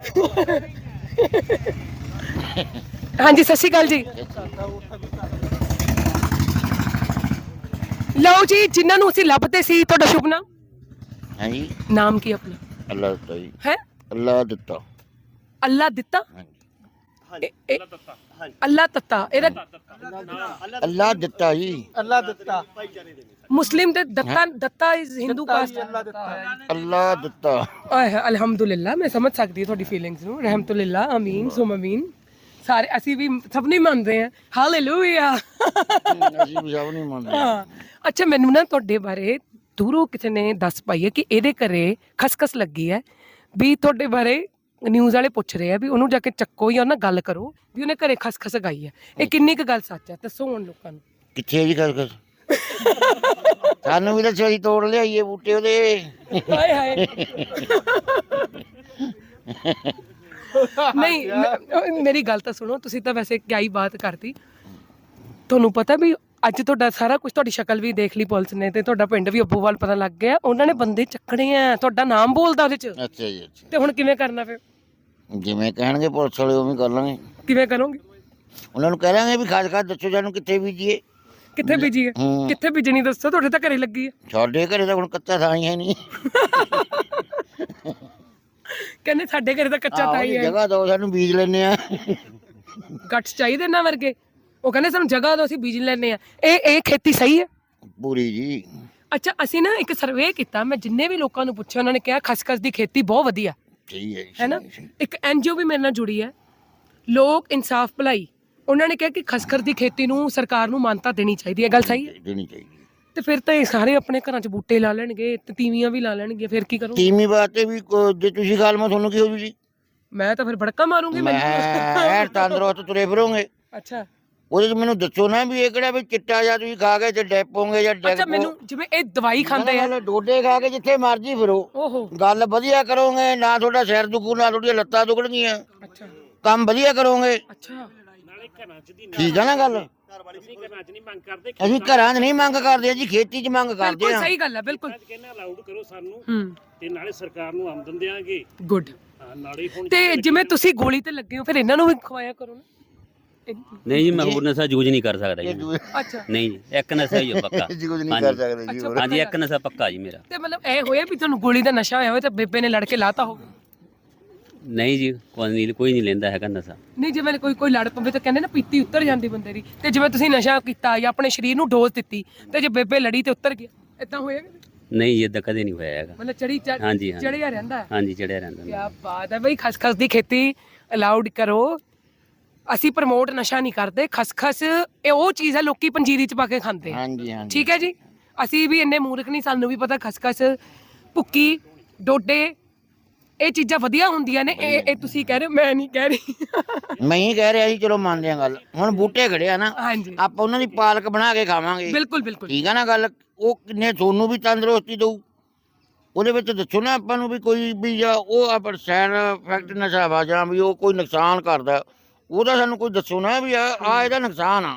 ਹਾਂਜੀ ਸਤਿ ਸ਼੍ਰੀ ਅਕਾਲ ਜੀ। ਲਓ ਜੀ, ਜਿਨ੍ਹਾਂ ਨੂੰ ਅਸੀਂ ਲੱਭਦੇ ਸੀ, ਤੁਹਾਡਾ ਸ਼ੁਭ ਨਾਮ? ਹਾਂਜੀ, ਨਾਮ ਕੀ ਆਪਣਾ? ਅੱਲਾ ਦਿੱਤਾ ਜੀ। ਹੈ ਅੱਲਾ ਦਿੱਤਾ। ਅੱਲਾ ਦਿੱਤਾ? ਅੱਲਾ ਤੱਤਾ ਇਹਦਾ ਅੱਲਾ ਦਿੱਤਾ ਜੀ। ਅੱਲਾ ਦਿੱਤਾ। ਮੁਸਲਿਮ ਦੇ ਦੱਤਾ, ਦੱਤਾ ਇਜ਼ ਹਿੰਦੂ ਕਾਸਟ। ਅੱਲਾ ਦਿੱਤਾ। ਆਏ ਅਲਹਮਦੁਲਿਲਾ, ਮੈਂ ਸਮਝ ਸਕਦੀ ਹਾਂ ਤੁਹਾਡੀ ਫੀਲਿੰਗਸ ਨੂੰ। ਰਹਿਮਤੁਲਿਲਾ, ਅਮੀਨ ਸੁਮ ਅਮੀਨ। ਸਾਰੇ ਅਸੀਂ ਵੀ ਸਭ ਨਹੀਂ ਮੰਨਦੇ ਹਾਂ। ਹਾਲੇਲੂਇਆ। ਅਸੀਂ ਵੀ ਸਭ ਨਹੀਂ ਮੰਨਦੇ। ਹਾਂ, ਅੱਛਾ, ਮੈਨੂੰ ਨਾ ਤੁਹਾਡੇ ਬਾਰੇ ਦੂਰੋਂ ਕਿਸੇ ਨੇ ਦੱਸ ਪਾਈ ਹੈ ਕਿ ਇਹਦੇ ਘਰੇ ਖਸਖਸ ਲੱਗੀ ਹੈ, ਵੀ ਤੁਹਾਡੇ ਬਾਰੇ ਨਿਊਜ਼ ਵਾਲੇ ਪੁੱਛ ਰਹੇ ਆ ਵੀ ਉਹਨੂੰ ਜਾ ਕੇ ਚੱਕੋ ਜਾਂ ਉਹਨਾਂ ਨਾਲ ਗੱਲ ਕਰੋ ਵੀ ਉਹਨੇ ਘਰੇ ਖਸਖਸ ਗਾਈ ਹੈ। ਇਹ ਕਿੰਨੀ ਕੁ ਗੱਲ ਸੱਚ ਹੈ, ਦੱਸੋ ਹੁਣ ਲੋਕਾਂ ਨੂੰ। ਕਿੱਥੇ ਜੀ ਖਸਖਸ? ਸਾਨੂੰ ਵੀ ਦੱਸੋ, ਅਸੀਂ ਤੋੜ ਲਿਆਈਏ ਬੂਟੇ ਉਹਦੇ। ਹਾਏ ਹਾਏ। ਨਹੀਂ, ਮੇਰੀ ਗੱਲ ਤਾਂ ਸੁਣੋ, ਤੁਸੀਂ ਤਾਂ ਵੈਸੇ ਕਿਆ ਹੀ ਬਾਤ ਕਰਤੀ। ਤੁਹਾਨੂੰ ਪਤਾ ਵੀ ਅੱਜ ਤੁਹਾਡਾ ਸਾਰਾ ਕੁਝ, ਤੁਹਾਡੀ ਸ਼ਕਲ ਵੀ ਦੇਖ ਲਈ ਪੁਲਿਸ ਨੇ, ਤੇ ਤੁਹਾਡਾ ਪਿੰਡ ਵੀ ਅੱਬੂਵਾਲ ਪਤਾ ਲੱਗ ਗਿਆ। ਉਹਨਾਂ ਨੇ ਬੰਦੇ ਚੱਕਣੇ ਆ, ਤੁਹਾਡਾ ਨਾਮ ਬੋਲਦਾ ਉਹਦੇ ਚ। ਅੱਛਾ ਜੀ, ਅੱਛਾ। ਤੇ ਹੁਣ ਕਿਵੇਂ ਕਰਨਾ ਫਿਰ? ਜਿਵੇਂ ਕਹਿਣਗੇ ਪੁਲਿਸ ਵਾਲੇ ਉਵੇਂ ਕਰ ਲਾਂਗੇ। ਕਿਵੇਂ ਕਰੋਗੇ? ਉਹਨਾਂ ਨੂੰ ਕਹਿ ਲਾਂਗੇ ਵੀ ਖਸਖਸ ਦੱਸੋ ਸਾਨੂੰ ਕਿੱਥੇ ਬੀਜੀਏ। ਕਿੱਥੇ ਬੀਜੀਏ? ਹੂੰ। ਕਿੱਥੇ ਬੀਜਣੀ ਦੱਸੋ, ਤੁਹਾਡੇ ਤਾਂ ਘਰੇ ਲੱਗੀ ਹੈ। ਸਾਡੇ ਘਰੇ ਤਾਂ ਹੁਣ ਕੱਚਾ ਥਾਂ ਹੀ ਹੈ ਨਹੀਂ। ਕਹਿੰਦੇ ਸਾਡੇ ਘਰੇ ਤਾਂ ਕੱਚਾ ਆਹੋ, ਥਾਂ ਹੀ ਹੈ। ਜਗ੍ਹਾ ਦਿਓ ਸਾਨੂੰ, ਬੀਜ ਲੈਣੇ ਆ। ਗੱਠ ਚਾਹੀਦੇ ਨਾ ਵਰਗੇ। ਉਹ ਕਹਿੰਦੇ ਸਾਨੂੰ ਜਗ੍ਹਾ ਦਿਓ, ਅਸੀਂ ਬੀਜ ਲੈਣੇ ਆ। ਇਹ ਖੇਤੀ ਸਹੀ ਹੈ? ਪੂਰੀ ਜੀ। ਅੱਛਾ, ਅਸੀਂ ਨਾ ਇੱਕ ਸਰਵੇ ਕੀਤਾ, ਮੈਂ ਜਿੰਨੇ ਵੀ ਲੋਕਾਂ ਨੂੰ ਪੁੱਛਿਆ ਉਹਨਾਂ ਨੇ ਕਿਹਾ ਖਸਖਸ ਦੀ ਖੇਤੀ ਬਹੁਤ ਵਧੀਆ ਸਹੀ ਹੈ ਜੀ, ਹੈ ਨਾ। ਸਹੀ, ਸਹੀ। ਇੱਕ NGO ਵੀ ਮੇਰੇ ਨਾਲ ਜੁੜੀ ਹੈ, ਲੋਕ ਇਨਸਾਫ ਭਲਾਈ। ਉਹਨਾਂ ਨੇ ਕਿਹਾ ਕਿ ਖਸਖਸ ਦੀ ਖੇਤੀ ਨੂੰ ਸਰਕਾਰ ਨੂੰ ਮਾਨਤਾ ਦੇਣੀ ਚਾਹੀਦੀ ਹੈ। ਗੱਲ ਸਹੀ ਹੈ? ਦੇਣੀ ਚਾਹੀਦੀ। ਤੇ ਫਿਰ ਤਾਂ ਇਹ ਸਾਰੇ ਆਪਣੇ ਘਰਾਂ 'ਚ ਬੂਟੇ ਲਾ ਲੈਣਗੇ ਤੇ ਤੀਵੀਆਂ ਵੀ ਲਾ ਲੈਣਗੇ, ਫਿਰ ਕੀ ਕਰੋ? ਤੀਵੀਂ ਵਾਸਤੇ ਵੀ ਜੇ ਤੁਸੀਂ ਗੱਲ ਮੈਂ ਤੁਹਾਨੂੰ ਕੀ ਹੋ ਜੂ ਜੀ? ਮੈਂ ਤਾਂ ਫਿਰ ਭੜਕਾ ਮਾਰੂੰਗੀ ਮੈਂ ਤੰਦਰੁਸਤ ਤੁਰੇ ਫਿਰੋਂਗੇ। ਅੱਛਾ ਉਹਦੇ ਚ ਮੈਨੂੰ ਦੱਸੋ ਨਾ ਵੀ ਇਹ ਕਿਹੜਾ ਵੀ ਚਿੱਟਾ ਜਾਂ ਤੁਸੀਂ ਖਾ ਕੇ ਤੇ ਡੈਪੋਗੇ ਜਾਂ ਅੱਛਾ, ਮੈਨੂੰ ਜਿਵੇਂ ਇਹ ਦਵਾਈ ਖਾਂਦੇ ਆ। ਡੋਡੇ ਖਾ ਕੇ ਜਿੱਥੇ ਮਰਜੀ ਫਿਰੋ, ਓਹੋ, ਗੱਲ ਵਧੀਆ ਕਰੋਗੇ, ਨਾ ਤੁਹਾਡਾ ਸਿਰ ਦੁਖੂ ਨਾ ਤੁਹਾਡੀਆਂ ਲੱਤਾਂ ਦੁਖਣਗੀਆਂ, ਅੱਛਾ ਕੰਮ ਵਧੀਆ ਕਰੋਗੇ। ਅੱਛਾ। ਠੀਕ ਆ ਨਾ ਗੱਲ? ਅਸੀਂ ਘਰਾਂ 'ਚ ਨਹੀਂ ਮੰਗ ਕਰਦੇ ਜੀ, ਖੇਤੀ 'ਚ ਮੰਗ ਕਰਦੇ ਬਿਲਕੁਲ ਆ। ਸਹੀ ਗੱਲ ਹੈ, ਬਿਲਕੁਲ। ਕਹਿੰਦਾ ਅਲਾਉਡ ਕਰੋ ਸਾਨੂੰ ਹੂੰ, ਤੇ ਨਾਲੇ ਸਰਕਾਰ ਨੂੰ ਆਮਦਨ ਦੇਾਂਗੇ। ਗੁੱਡ। ਨਾਲੇ ਹੁਣ ਤੇ ਜਿਵੇਂ ਤੁਸੀਂ ਗੋਲੀ ਤੇ ਲੱਗੇ ਹੋ, ਫਿਰ ਇਹਨਾਂ ਨੂੰ ਵੀ ਖਵਾਇਆ ਕਰੋ ਨਾ। ਨਹੀਂ ਜੀ, ਮੈਂ ਹੋਰ ਨਸ਼ਾ ਯੂਜ਼ ਨਹੀਂ ਕਰ ਸਕਦਾ ਜੀ। ਅੱਛਾ, ਨਹੀਂ ਜੀ, ਇੱਕ ਨਸ਼ਾ ਹੀ ਆ ਪੱਕਾ। ਕੁਝ ਨਹੀਂ ਕਰ ਸਕਦੇ ਜੀ ਹੋਰ। ਹਾਂਜੀ, ਇੱਕ ਨਸ਼ਾ ਪੱਕਾ ਜੀ ਮੇਰਾ। ਤੇ ਮਤਲਬ ਇਹ ਹੋਇਆ ਵੀ ਤੁਹਾਨੂੰ ਗੋਲੀ ਦਾ ਨਸ਼ਾ ਹੋਇਆ ਹੋਵੇ ਤੇ ਬੇਬੇ ਨੇ ਲੜ ਕੇ ਲਾਤਾ ਹੋਵੇ? ਨਹੀਂ ਜੀ, ਕੋਈ ਨਹੀਂ ਲੈਂਦਾ ਹੈਗਾ ਨਸ਼ਾ। ਨਹੀਂ, ਜਿਵੇਂ ਕੋਈ ਲੜ ਪਵੇ ਤਾਂ ਕਹਿੰਦੇ ਨਾ ਪੀਤੀ ਉਤਰ ਜਾਂਦੀ ਬੰਦੇ ਦੀ। ਤੇ ਜਿਵੇਂ ਤੁਸੀਂ ਨਸ਼ਾ ਕੀਤਾ ਜਾਂ ਆਪਣੇ ਸਰੀਰ ਨੂੰ ਡੋਜ਼ ਦਿੱਤੀ ਤੇ ਜੇ ਬੇਬੇ ਲੜੀ ਤੇ ਉਤਰ ਗਿਆ, ਇਦਾਂ ਹੋਇਆ? ਨਹੀਂ ਜੀ, ਏਦਾਂ ਕਦੇ ਨਹੀਂ ਹੋਇਆ ਹੈਗਾ। ਮਤਲਬ ਚੜੀ ਹਾਂਜੀ, ਚੜਿਆ ਰਹਿੰਦਾ। ਹਾਂਜੀ, ਚੜਿਆ ਰਹਿੰਦਾ। ਕੀ ਬਾਤ ਹੈ ਬਈ। ਖਸਖਸ ਦੀ ਖੇਤੀ ਅਲਾਉਡ ਕਰੋ। ਅਸੀਂ ਪ੍ਰਮੋਟ ਨਸ਼ਾ ਨਹੀਂ ਕਰਦੇ। ਖਸਖਸ ਇਹ ਉਹ ਚੀਜ਼ ਹੈ ਲੋਕੀ ਪੰਜੀਰੀ ਚ ਪਾ ਕੇ ਖਾਂਦੇ ਆ। ਹਾਂਜੀ ਹਾਂਜੀ, ਠੀਕ ਹੈ ਜੀ। ਅਸੀਂ ਵੀ ਇੰਨੇ ਮੂਰਖ ਨਹੀਂ, ਸਾਨੂੰ ਵੀ ਪਤਾ ਖਸਖਸ, ਭੁੱਕੀ, ਡੋਡੇ, ਇਹ ਚੀਜ਼ਾਂ ਵਧੀਆ ਹੁੰਦੀਆਂ ਨੇ। ਇਹ ਤੁਸੀਂ ਕਹਿ ਰਹੇ ਹੋ, ਮੈਂ ਨਹੀਂ ਕਹਿ ਰਹੀ। ਮੈਂ ਹੀ ਕਹਿ ਰਿਹਾ ਜੀ, ਚਲੋ ਮੰਨਦੇ ਆ ਗੱਲ। ਹੁਣ ਬੂਟੇ ਖੜੇ ਆ ਨਾ, ਹਾਂਜੀ, ਆਪਾਂ ਉਹਨਾਂ ਦੀ ਪਾਲਕ ਬਣਾ ਕੇ ਖਾਵਾਂਗੇ। ਬਿਲਕੁਲ ਬਿਲਕੁਲ। ਠੀਕ ਆ ਨਾ ਗੱਲ? ਉਹ ਕਿੰਨੇ ਤੁਹਾਨੂੰ ਵੀ ਤੰਦਰੁਸਤੀ ਦਊ। ਉਹਦੇ ਵਿੱਚ ਦੱਸੋ ਨਾ ਆਪਾਂ ਨੂੰ ਵੀ ਕੋਈ ਵੀ ਜਾਂ ਉਹ ਆਪਾਂ ਸਾਈਡ ਇਫੈਕਟ ਨਸ਼ਾ ਵਾ ਜਾਂ ਵੀ ਉਹ ਕੋਈ ਨੁਕਸਾਨ ਕਰਦਾ, ਉਹਦਾ ਸਾਨੂੰ ਕੋਈ ਦੱਸੋ ਨਾ ਵੀ ਆ ਇਹਦਾ ਨੁਕਸਾਨ ਆ।